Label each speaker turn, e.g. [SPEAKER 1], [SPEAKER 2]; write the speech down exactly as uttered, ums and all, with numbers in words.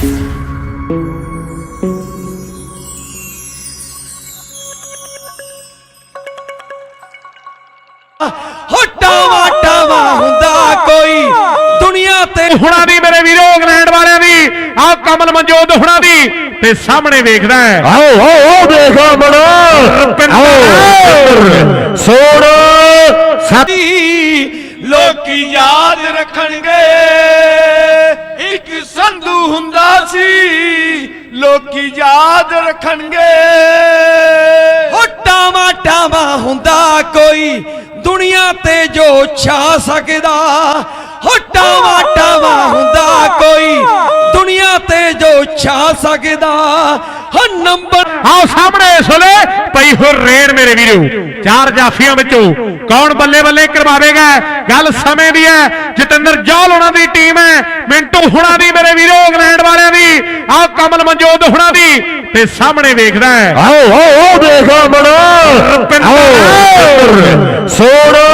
[SPEAKER 1] tower tower हुंदा कोई दुनिया ते
[SPEAKER 2] हुणा दी मेरे वीरो इंग्लैंड वालियां दी आओ कमल मनजोत हुणा दी ते सामने देखदा है
[SPEAKER 3] आओ आओ आओ देखो बड़ो सोड़
[SPEAKER 1] साडी लोकी याद रखणगे एक संधू हुंदा सी लोकी याद रखणगे हो टावा टावा हुंदा कोई दुनिया ते जो छा सकदा हो टावा टावा हुंदा कोई दुनिया ते जो छा सकदा हो नंबर
[SPEAKER 2] आओ सामने इस वेले पई हो रेड मेरे वीरो चार जाफियां विचों कौन बल्ले बल्ले करवावेगा गल समय दी है जतिंदर जौल हुणा दी टीम है मिंटू हुणा दी मेरे वीरो इंग्लैंड वालियां दी आओ कमल मनजोत हुणा दी ते सामने देखदा है
[SPEAKER 3] आओ आओ आओ देखो बड़ो सोड़